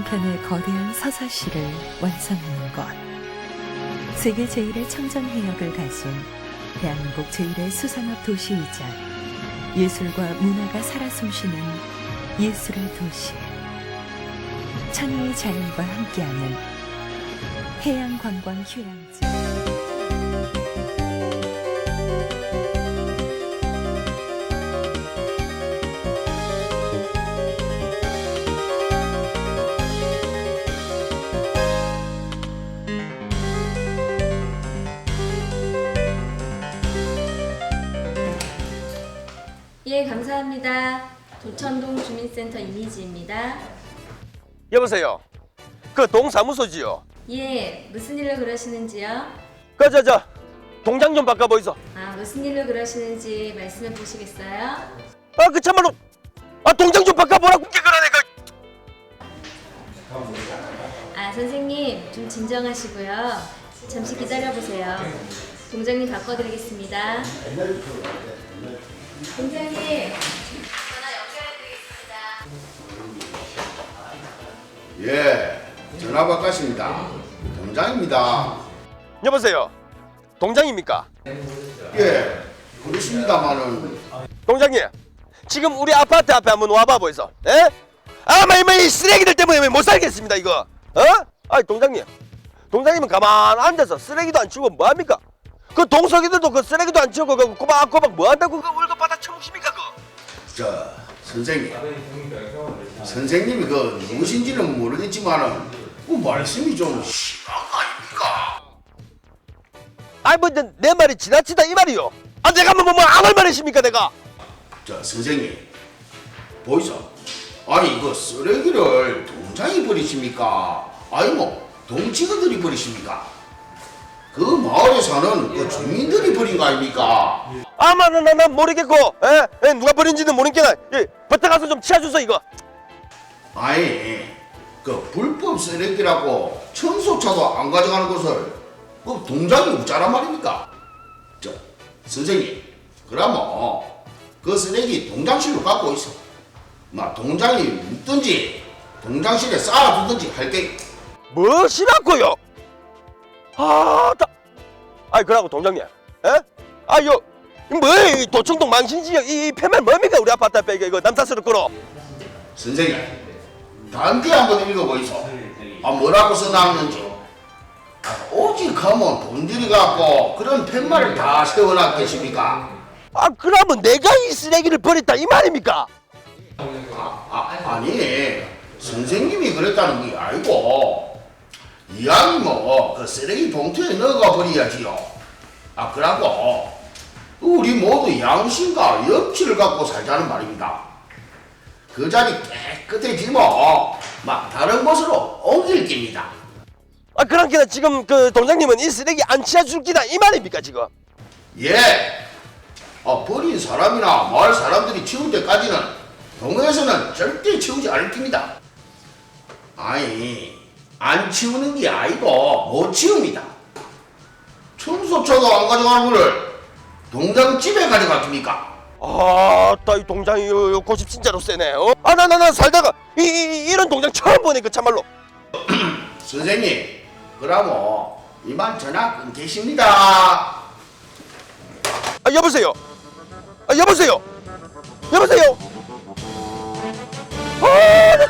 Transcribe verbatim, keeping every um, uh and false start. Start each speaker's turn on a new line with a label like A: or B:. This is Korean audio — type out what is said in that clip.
A: 한편의 거대한 서사시를 완성하는 곳. 세계 제일의 청정해역을 가진 대한민국 제일의 수산업 도시이자 예술과 문화가 살아 숨쉬는 예술의 도시. 천혜의 자연과 함께하는 해양관광 휴양지.
B: 예, 감사합니다. 도천동 주민센터 이미지입니다.
C: 여보세요. 그 동사무소지요.
B: 예, 무슨 일로 그러시는지요?
C: 그 저 저 동장 좀 바꿔보이소.
B: 아, 무슨 일로 그러시는지 말씀해 보시겠어요?
C: 아 그 참말로 아 동장 좀 바꿔보라고 그게 그러네 그.
B: 아, 선생님 좀 진정하시고요. 잠시 기다려보세요. 동장님 바꿔드리겠습니다. 동장님, 전화 연결해드리겠습니다.
D: 예, 전화 바꿨습니다. 동장입니다.
C: 여보세요. 동장입니까?
D: 예, 그렇습니다만은
C: 동장님. 지금 우리 아파트 앞에 한번 와봐 보이소. 에? 아마 이 쓰레기들 때문에 못 살겠습니다 이거. 어? 아 동장님. 동장님은 가만 앉아서 쓰레기도 안 치우고 뭐 합니까? 그 동석이들도 그 쓰레기도 안 치우고 그 꼬박꼬박 뭐 한다고 그 월급 받아 처먹습니까 그?
D: 저 선생님, 선생님이 그 누구신지는 모르겠지만은 그 말씀이 좀 심한 거 아닙니까?
C: 아이 뭐내 말이 지나치다 이 말이요. 아 내가 뭐 뭐 아무 말이십니까 내가?
D: 저 선생님, 보이소? 아니 그 쓰레기를 동장이 버리십니까? 아니 뭐 동치거들이 버리십니까? 그 마을에 사는 그 주민들이 버린 거 아닙니까?
C: 아마 나나 나 모르겠고, 에? 에 누가 버린지는 모르겠나? 예, 버터 가서 좀 치워주소 이거.
D: 아니 그 불법 쓰레기라고 청소차도 안 가져가는 것을 그 동장이 웃자란 말입니까? 저 선생님, 그러면 그 쓰레기 동장실로 갖고 있어. 막 동장이 묻든지 동장실에 쌓아두든지 할게.
C: 무엇이라고요? 아, 다. 아이 그러고 동장님, 에? 아요, 뭐이 도청동 망신지역 이 폐면 뭡니까 우리 아파트 앞에 이거 남사스럽 끌어.
D: 선생님, 단지 한번 읽어보이소. 아 뭐라고 써놨는지. 오직 하면 돈들이 갖고 그런 팻말을 다 세워놨겠습니까?
C: 아 그러면 내가 이 쓰레기를 버렸다 이 말입니까?
D: 아, 아, 아니 선생님이 그랬다는 게 아니고 이왕이 뭐그 쓰레기 봉투에 넣어가 버려야지요. 아 그러고 우리 모두 양심과 염치를 갖고 살자는 말입니다. 그 자리 깨끗해지면 막 다른 곳으로 옮길 겁니다.
C: 아 그러니까 지금 그 동장님은 이 쓰레기 안 치워줄 기다 이 말입니까 지금?
D: 예. 아, 버린 사람이나 마을 사람들이 치울 때까지는 동호회에서는 절대 치우지 않을 겁니다. 아니 안 치우는 게 아니고 못 치웁니다. 청소차도 안 가져가는 거를 동장 집에 가져갔습니까?
C: 아따 이 동장이 요, 요 고집 진짜로 세네. 어? 아나 나 나 살다가 이, 이 이런 동장 처음 보네 그 참말로.
D: 선생님, 그러면 이만 전화 끊겠습니다.
C: 아 여보세요. 아 여보세요. 여보세요. 아, 나